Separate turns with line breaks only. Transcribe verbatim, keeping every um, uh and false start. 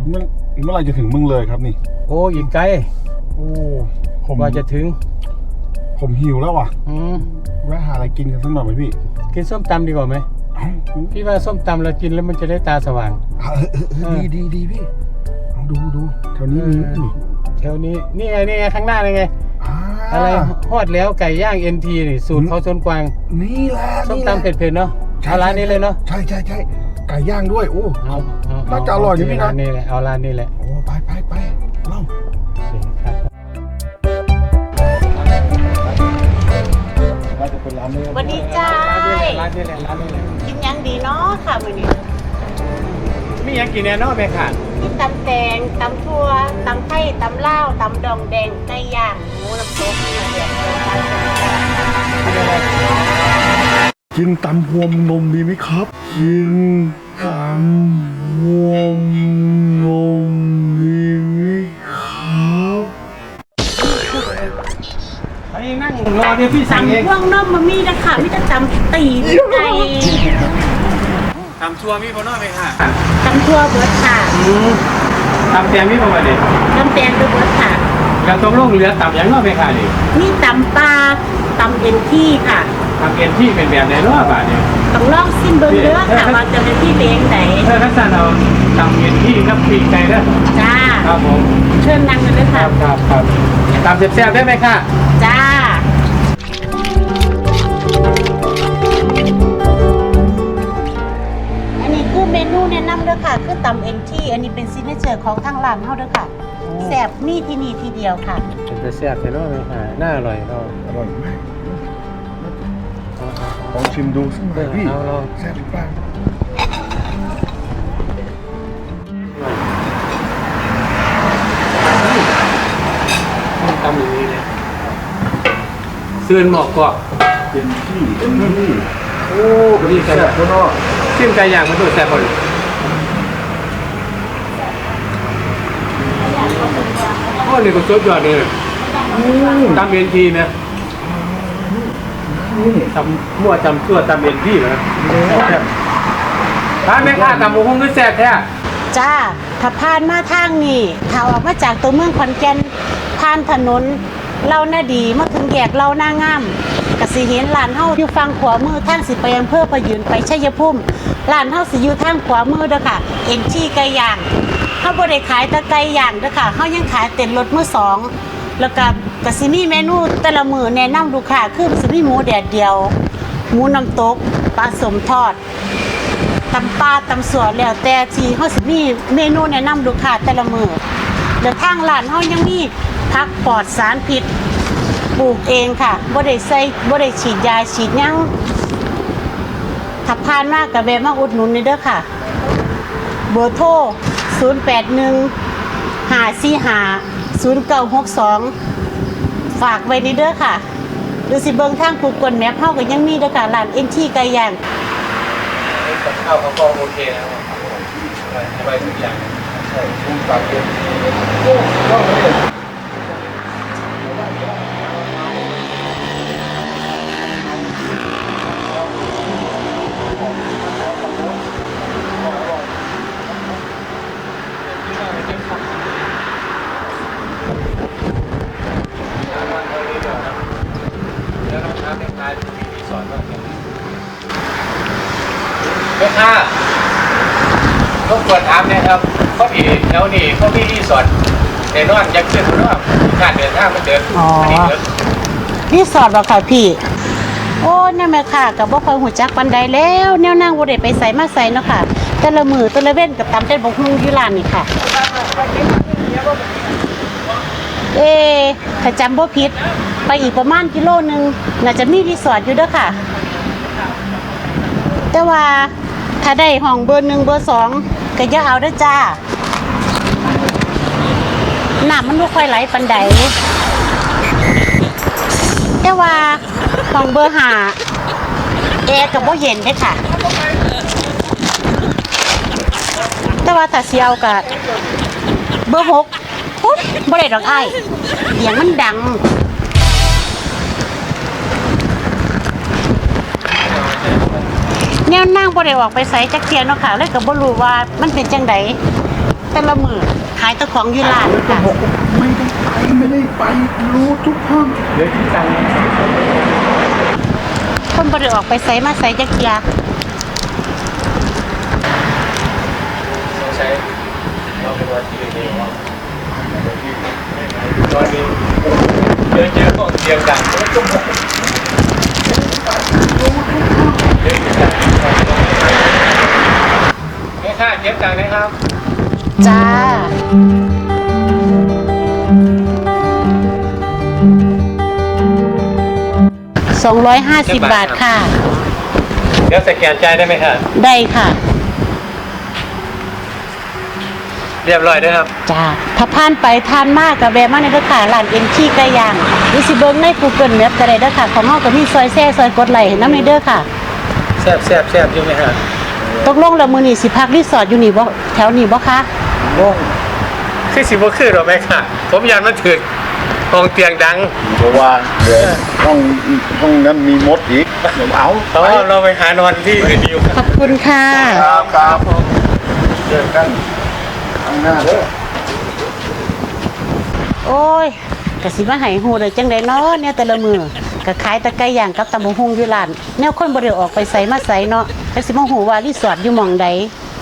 เมื่อเมื่อไรจะถึงมึงเลยครับนี่
โอ้อีกไกล
โอ้
ผมว่าจะถึง
ผมหิวแล้วว่ะ
อืม
แวะหาอะไรกินกันสักหน่อยไหมพี่
กินส้มตำดีกว่าไหมพี่ว่าส้มตำเรากินแล้วมันจะได้ตาสว่าง
ดีดีดีพี่ดูดูแถวนี้มี
แถวนี้นี่ไงนี่ไงข้างหน้านี่ไงอะไรฮอดแล้วไก่ย่างเอ็นทีนี่สูตรเขาชนกวาง
นี่แหละ
ส้มตำเผ็ดๆเนาะเอาร้านนี้เลยเนาะ
ใช่ใช่ใช่ไก่ย่างด้วยโอ้น่าจะอร่อยอยู่พี่นะ
นี่แหละเอาร้านนี้แหละ
โอ้ไปไปไปเล่า
วันนี้จ้า
ร้านนี้แหละร้านนี้แหละ
กินยังดีเนาะค่ะมื้อนี้
มียังกินแน่นอนไหมค่ะ
มีตำแตงตำทั่วตำไทยตำลาวตำดองแดงไก่ย่างหมูน้ำตกเนื้อเดือด
กินตำพวมนมดีไหมครับกินตำพวมนมดีไหมครับ
ไปนั่งรอเดี๋ยวพี่สั่งเอง
ตำพวงนมมามีนะคะมีแต่ตำตีนไก่
ตำชัวมีพอนอไหมค่ะ
ตำทั่วเบิร์ดค่ะ
ตำแตงมีพอไหมดิ
ตำแตงเบิร์ดค่ะ
แล้วตรงลงเรือตำยังนอไหมค่ะดิ
นี่ตำปลาตำเอ็นที่ค่ะ
ตำเอ็นที่เป็นแบบไหนรอบอ่ะเนี่ย
ต้องลองซิมเบิ้งเด้อค่ะว่าจะเป็นที่เบงไหน
เออทักษะเราตำเอ็นที่กับปีกไก่เด้อ
จ้า
ครับผม
เชิญนั่งกันเลยค่ะ
ครับครับตำแซ่บๆได้ไหมค่ะ
จ้าอันนี้คือเมนูแนะนำเด้อค่ะคือตำเอ็นที่อันนี้เป็นซิกเนเจอร์ของทางร้านเฮาเด้อค่ะแซ่บนี่ที่นี่ทีเดียวค่ะ
เป็นแซ่บใช่ไหมไหมค่ะน่าอร่อยเรา
อร่อยมากลองชิมดูสักหน่อยพี่แซ่บหรือเปล่า
ตำอย่างนี้เลยเสื่อนหมอกก็
เป็นที่เป็นที่
โอ้ดีแซ่บคนนอกชิมไก่ย่างมันดูแซ่บพอดีโอ้นี่ก็สุดยอดเลยตำเอ็นทีนะตำมั่วตำชั่วตำเอ็นทีนะร้านแม่ค้าตำหมูหุ้งด้วยแซ่บแท้
จ้าถ้าผ่านมาทางนี้ถ้าออกมาจากตัวเมืองขอนแก่นผ่านถนนเล่าหน้าดีมาถึงแยกเล่าหน้างามกสิเห็นร้านเฮาอยู่ฝั่งขวามือทางสิไปอำเภอพะยืนไปชัยภูมิร้านเฮาสิอยู่ทางขวามือเด้อค่ะเอ็นที่ไก่ย่างเฮาบ่ได้ขายแต่ไก่ย่างเด้อค่ะเฮายังขายเต็นรถมือสองแล้วก็กสิมีเมนูแต่ละมื้อแนะนำลูกค้าคือสิมีหมูแดดเดียวหมูน้ำตกปลาสมทอดตำปลาตำสัวแล้วแต่ที่เฮาสิมีเมนูแนะนำลูกค้าแต่ละมื้อแล้วทางร้านเฮายังมีผักปลอดสารพิษปลูกเองค่ะบ่ได้ใส่บ่ได้ฉีดยาฉีดหยังถ้าผ่านมาก็แวะมาอุดหนุนนี่เด้อค่ะเบอร์โทรศูนย์ แปด หนึ่ง ห้า สี่ ห้า ศูนย์ เก้า หก สองฝากไว้นี่เด้อค่ะหรือสิเบิ่งทาง Google Map เฮาก็ยังมีเด้อค่ะร้านเอ็นทีไก่ย่าง
กับข้าวเขาก็โอเคนะครับสบายทุกอย่างใช่ทุกแบบเดียวโอ้ก็เลยแม่ค้าต้องควรถามนะครับเขาดีแล้วนี่เขามีรีสอร์ทแต่นอนยังขึ้นเพราะว่าการเดินทางมันเดินมันดีเลย
รีสอร์ทบ่ค่ะพี่โอ้เนี่ยแม่ค่ะกับบ่ค่อยหูจักปานใดแล้วแนวนั่งบ่ได้ไปใส่มาใส่เนาะค่ะแต่ละมื้อแต่ละเว้นกับตำแต่บ่ฮู้อยู่ร้านนี่ค่ะเอ๊ถ้าจำบ่ผิดไปอีกประมาณกิโลนึงน่าจะมีรีสอร์ทอยู่เด้อค่ะแต่ว่าถ้าได้ห้องเบอร์หนึ่งเบอร์สองก็อย่าเอาเด้อจ้าน้ำมันบ่ค่อยไหลปานใดแต่ว่าห้องเบอร์ห้าแอร์ก็บ่เย็นเด้อค่ะแต่ว่าถ้าสิเอาก็เบอร์หกปุ๊บบ่ได้ดอกอ้ายเสียงมันดัง แนวนั่งบ่ได้ออกไปไสจักเที่ยเนาะค่ะเลยก็บ่รู้ว่ามันเป็นจังไดแต่ละมื้อขายแตะของอยู่ร้านค่ะ
บอกว่าไม่ได้ไปไม่ได้ไปรู้ทุกห้อง
เดี๋ยวที่ตังค์
คนบ่ได้ออกไปไสมาไสจักเที่ย
สงสัยเราเป็นวันที่เดียวตอนนี้เจอเจอของเสียงดังแล้วก็บอกเดี๋ยวที่ตังค์แม่ค้าเก็บตังค์นะครับ
จ้าสองร้อยห้าสิบบาทค่ะ
เดี๋ยวสแกนจ่ายได้ไหมครับ
ได้ค่ะ
เรียบร้อยด้วยครับ
จ้าถ้าผ่านไปทานมากกับแวะมาในเด้อค่ะร้านเอ็นขี้ไก่ย่างหรือสิเบิ่งใน Google Map ก็ได้เด้อค่ะของเฮาก็มีซอยแซ่ซอยกดไลค์ให้นำในเด้อค่ะ
แซ่บแซ่บแซ่บอยู่ไหมครับ
ตกลงแล้วมื้อนี้สิพักรีสอร์ทอยู่นี่บ่แถวนี้บ่คะ
โล่งคือสิบ่คือหรอแม่ค่ะ ผมยันมันถึกห้องเตียงดัง
เพราะว่าเดี๋ยวห้องห้องนั้นมีมดอีกเดี๋ยวเอา
เพราะว่าเราไปหานอนที่อื่นดีกว่า
ขอบคุณค่ะ
ครับครับเจอกันข้างหน้าเด้อ
โอ้ยก็สิมาให้ฮู้ได้จังได๋เนาะเนี่ยแต่ละมื้อก็ขายแต่ไก่ย่างกับตำบักหุ่งอยู่ร้านแนวคนบ่ได้ออกไปไสมาไสเนาะจักสิมาฮู้ว่ารีสอร์ทอยู่หม่องใด